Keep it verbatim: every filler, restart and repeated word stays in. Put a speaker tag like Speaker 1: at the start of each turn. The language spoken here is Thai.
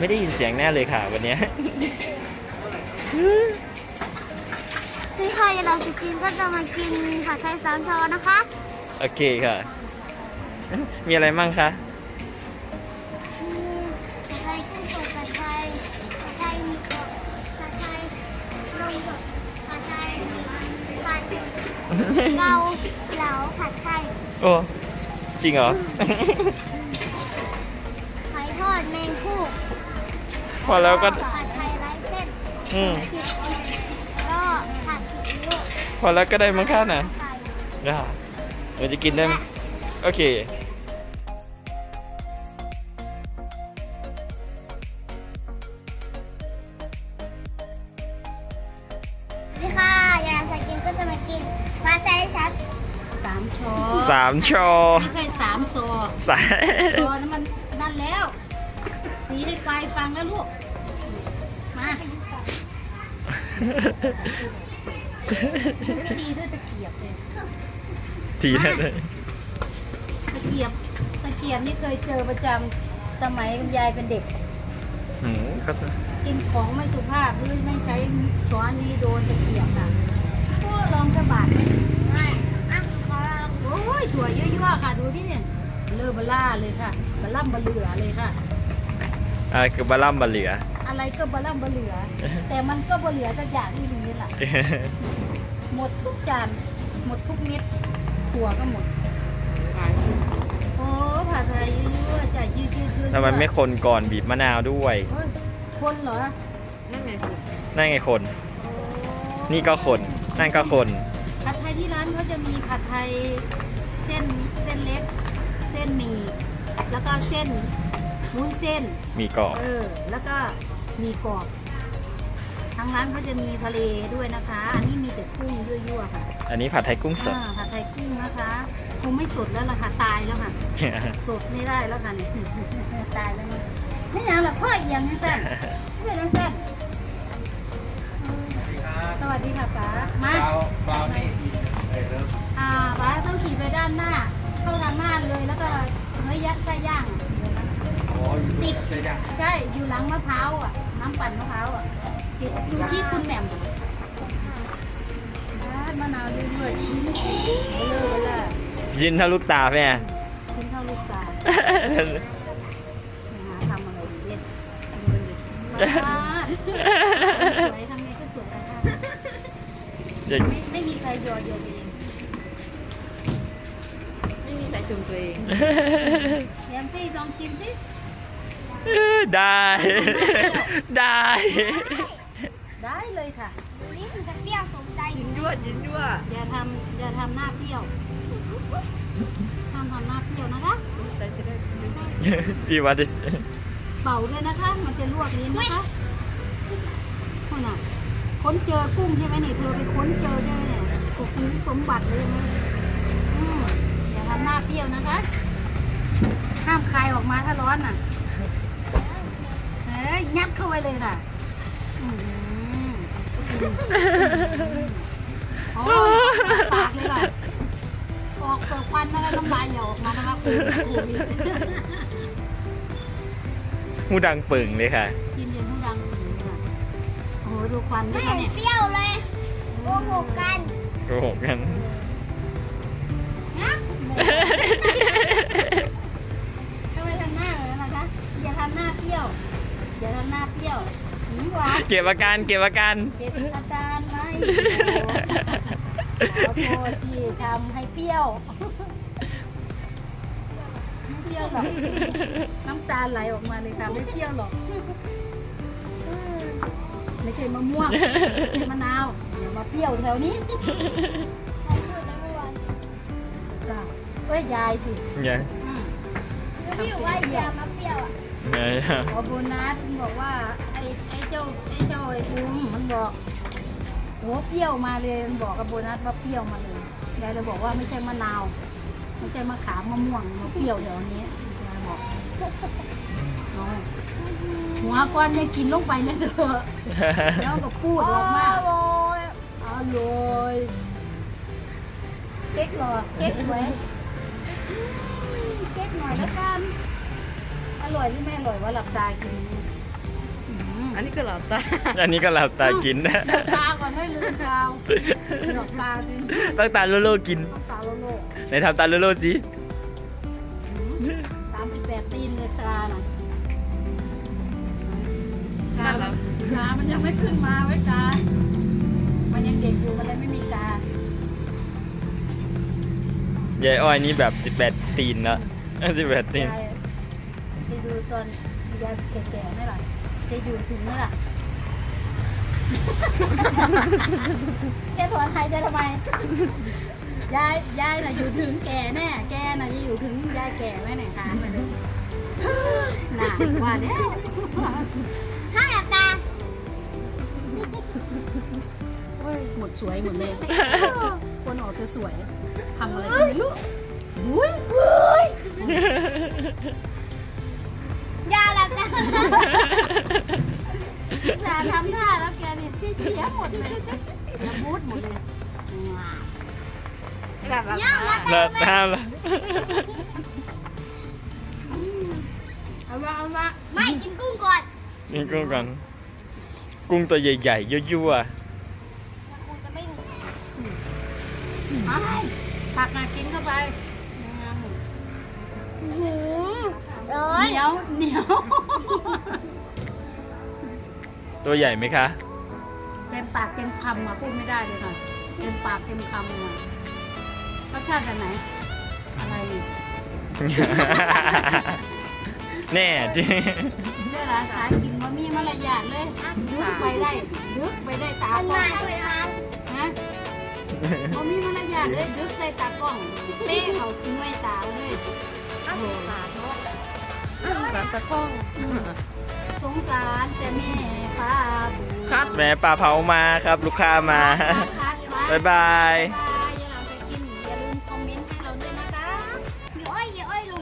Speaker 1: ไม่ได้ยินเสียงแน่เลยค่ะวันนี้
Speaker 2: ที่ใครเราจะกินก็จะมากินผัดไทยสามชอนะคะ
Speaker 1: โอเคค่ะมีอะไรมั่งคะ
Speaker 2: ผัดไทยกุ้งสดผัดไทยผัดไทยมีกรอบผัดไทยลงสดผัดไทยผัดเกาเหลาผัดไทย
Speaker 1: โอ้จริงเหรอ
Speaker 2: ไข่ทอดแมงคู่
Speaker 1: พอแล้วก็
Speaker 2: ผัดไทยไร้เส้น
Speaker 1: อืม
Speaker 2: ก็ผัดซีอิ๊ว
Speaker 1: พอแล้วก็ได้มั้งคะนะได้เราจะกินได้โอเค
Speaker 2: นี่ค่ะยายจะกินก็จะมากินผัดไทยชัด
Speaker 3: สามชอ
Speaker 1: สามชอ
Speaker 3: ไม่ใช่สามซอ
Speaker 1: สาย
Speaker 3: ซอนั้นมันนั่นแล้ว สีได้ไฟฟังแล้วลูกมาตีด้วยตะเกียบเลย
Speaker 1: ทีนั่นเลย
Speaker 3: ตะเกียบตะเกียบนี่เคยเจอประจำสมัยคุณยายเป็นเด็ก
Speaker 1: หืมก็
Speaker 3: กินของไม่สุภาพหรือไม่ใช้ช้อนนี้โดนตะเกียบค่ะก็ลองกระบาด
Speaker 2: ไม่อ่ะขอลอง
Speaker 3: โอ้ยถั่วเยอะๆค่ะดูที่เนี่ยเลอบล่าเลยค่ะบล่ำบะเหลือเลยค่ะ
Speaker 1: อะไรคือบะล่ำบะเหลือ
Speaker 3: อะไรก็บะล่ำบะเหลือแต่มันก็บะเหลือจากอย่างที่นี้แหละหมดทุกจานหมดทุกเม็ดถั่วก็หมดโอ้ผัดไทยยั่วๆจะยืดยืดยืด
Speaker 1: ทำไมไม่คนก่อนบีบมะนาวด้วย
Speaker 3: คนเหรอ
Speaker 1: นั่นไงนั่นไงคนนี่ก็คนนั่นก็คน
Speaker 3: ผัดไทยที่ร้านเขาจะมีผัดไทยเส้นเส้นเล็กเส้นหมี่แล้วก็เส้นวุ้นเส้น
Speaker 1: มีกรอบ
Speaker 3: เออแล้วก็มีกรอบทางร้านเขาจะมีทะเลด้วยนะคะอันนี้มีแต่กุ้งยั่วๆค่ะ
Speaker 1: อันนี้ผัดไทยกุ้งสด
Speaker 3: ผัดไทยกุ้งนะคะคงไม่สดแล้วล่ะค่ะตายแล้วค่ะสดไม่ได้แล้วค่ะนี่ตายแล้วไม่อย่างหรอกพ่อเอียงนี่เส้นไม่เป็นเส้นสวัสดีค่ะป๋ามาป๋าอ่าป๋าต้องขี่ไปด้านหน้าเข้าทางหน้าเลยแล้วก็เนื้อยัดไส้ย่างติดใช่อยู่หลังมะพร้าวอ่ะน้ำปั่นมะพร้าวอ่ะติดซูชิคุณแหม่มมะนาวเรื่อยๆชิ้นเบลอเบลอ
Speaker 1: ยินเท่าลูกตาแม่
Speaker 3: ชิ้นเท่าลูกตาทำอะไรดีเล่นสวยทำไงก็สวยค่ะไม่ไม่มีใครยอเดียวเองไม่มีใครชมตัวเองแยมซี่ลองกินสิ
Speaker 1: ได้ได้
Speaker 3: ได้เลยค่ะ
Speaker 2: นี่คือจะเปรี้ยวสมใจ
Speaker 3: ยินยั่วยินยั่วอย่าทำอย่าทำหน้าเปรี้ยวห้ามทำหน้าเปรี้ยวนะคะ
Speaker 1: พี่ว่าจะ
Speaker 3: เป่าด้วยนะคะมันจะลวกลิ้นนะคะคนน่ะค้นเจอกุ้งใช่ไหมนี่เธอไปค้นเจอใช่ไหมเนี่ยกุ้งสมบัติเลยนะอย่าทำหน้าเปรี้ยวนะคะห้ามคายออกมาถ้าร้อนน่ะเอ้ยยัดเข้าไปเลยค่ะโอ้ปากเลยค่ะออกเปิดควันแล้วน้ำลายเหลวออกมานะคะ
Speaker 1: หูดังปึ่งเลยค่ะ
Speaker 3: กินจนหูดังปึ่งค่ะโอ้โหดูควันด้วยค่ะเนี่ย
Speaker 2: เปรี้ยวเลยโกหกกัน
Speaker 1: โกหกกัน
Speaker 3: ทำไมทำหน้าเลยนะคะอย่าทำหน้าเปรี้ยวอย่าทำหน้าเปรี้ยว
Speaker 1: เก็บอาการเก็บอาการ
Speaker 3: เก็บอาการไหมขอโทษที่ทำให้เปรี้ยวไม่เปรี้ยวหรอกน้ำตาไหลออกมาเลยค่ะไม่เปรี้ยวหรอกไม่ใช่มะม่วงไม่ใช่มะนาวอย่ามาเปรี้ยวแถวนี้ก็ยายสิ
Speaker 1: ยาย
Speaker 2: พี่บอกว่าอย่ามาเปรี้ยวอ่ะ
Speaker 3: พอโบนัสบอกว่าไอ้ไอ้เจ้าไอ้เจ้าไอ้ภูมิมันบอกโหเปรี้ยวมาเลยมันบอกกับโบนัสว่าเปรี้ยวมาเลยยายเลยบอกว่าไม่ใช่มะนาวไม่ใช่มะขามมะม่วงมาเปรี้ยวเดี๋ยวนี้ยายบอกหัวก้อนยังกินลงไปนะเถอะแล้วก็พูดออกมาอร่อยเก๊กหรอเก๊กไว้เก๊กหน่อยแล้วกันอร่อยหรือไม่อร่อยว่าหลับตากิน
Speaker 4: อันนี้ก็หลับตา
Speaker 1: อันนี้ก็หลับตากิน
Speaker 3: เลือกตาก่อนให้ลืมตาเลือกตาสิ
Speaker 1: ตั้งตาโลโลกิน
Speaker 3: ตาโลโล
Speaker 1: ไหนทำตาโลโลสิ
Speaker 3: สามสิบแปดตีนเลยตาน่ะตาแล้วตามันยังไม่ขึ้นมาไว้ตามันยังเด็กอยู่มันเลยไม่มีตาย
Speaker 1: ายอ้อยนี่แบบสิบแปดตีนนะสิบแปดตีน
Speaker 3: ยายจะดูตอนยายแก่ๆไหมล่ะจะอยู่ถึงไหมล่ะ แกถอนหายใจทำไม ยาย ยายน่ะอยู่ถึงแก่แน่ แกน่ะจะอยู่ถึงยายแก่ไหมเนี่ยถามมาเลยน่ะว่าเนี่ย
Speaker 2: ห้ามหลับตา
Speaker 3: โอ้ยหมดสวยหมดเลย คนออกจะสวยทำอะไรกันไม่รู้อุ้ย
Speaker 2: อย่าหลับตา
Speaker 3: สาทำท่าแล้วแกนี่เสียหมดเลยละมุดหมดเลย
Speaker 4: หลับหลับ
Speaker 2: อย่าหลับ
Speaker 1: แล้
Speaker 2: ตาว
Speaker 1: ห้ามละ
Speaker 3: เอาละเอาละ
Speaker 2: ไม่กินกุ้งก่อน
Speaker 1: กินกุ้งกัน กุ้งตัวใหญ่ๆยั่ว
Speaker 2: คงจะไม่รู้
Speaker 3: เอาผักน่ะกินเข้าไป
Speaker 2: อื้อหือร้อ
Speaker 3: เห
Speaker 2: น
Speaker 3: นียวเหนียว
Speaker 1: ๆตัวใหญ่ไหมคะ
Speaker 3: เต็มปากเต็มคำอ่ะพูดไม่ได้เลยค่ะเต็มปากเต็มคำอ่ะรสชาติแบบไหน อะไรนี่
Speaker 1: แน่จริง
Speaker 3: เวลาสายกินว่ามีมารยาทเลยดึกไปได้ดึกไปได้ตา
Speaker 2: มัน
Speaker 3: กล้อ
Speaker 2: มาง ด้วยครับ
Speaker 3: ฮะว่ามีมารยาทเลยดึกใส่ตากล้องเป้เขาทิ้งไว้ตาเลย
Speaker 4: น่าสงสารเนาะน่าสงสารตะข้อง
Speaker 3: สงสารแต่แม่ป้าบู
Speaker 4: ครับ
Speaker 1: แม่ปลาเผามาครับ ลูกค้ามา
Speaker 3: คัดไว้
Speaker 1: บ๊ายบาย
Speaker 3: บ๊ายบาย